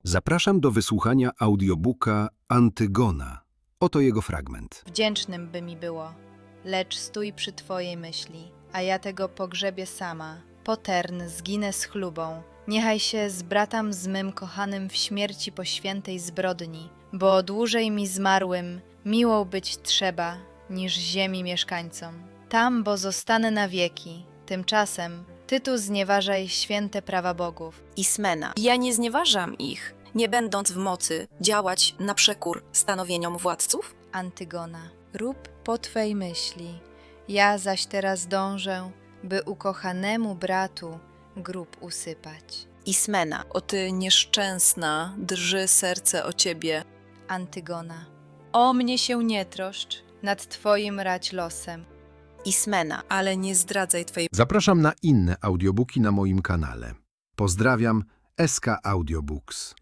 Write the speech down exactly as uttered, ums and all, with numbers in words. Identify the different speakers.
Speaker 1: Zapraszam do wysłuchania audiobooka Antygona. Oto jego fragment.
Speaker 2: Wdzięcznym by mi było, lecz stój przy twojej myśli, a ja tego pogrzebię sama. Potern zginę z chlubą, niechaj się zbratam z mym kochanym w śmierci po świętej zbrodni, bo dłużej mi zmarłym miłą być trzeba, niż ziemi mieszkańcom. Tam, bo zostanę na wieki, tymczasem ty tu znieważaj święte prawa bogów.
Speaker 3: Ismena. Ja nie znieważam ich, nie będąc w mocy działać na przekór stanowieniom władców?
Speaker 2: Antygona. Rób po twej myśli, ja zaś teraz dążę, by ukochanemu bratu grób usypać.
Speaker 3: Ismena. O ty nieszczęsna, drży serce o ciebie.
Speaker 2: Antygona. O mnie się nie troszcz, nad twoim rać losem.
Speaker 3: Ismena. Ale nie zdradzaj twojej
Speaker 1: Zapraszam na inne audiobooki na moim kanale. Pozdrawiam, S K Audiobooks.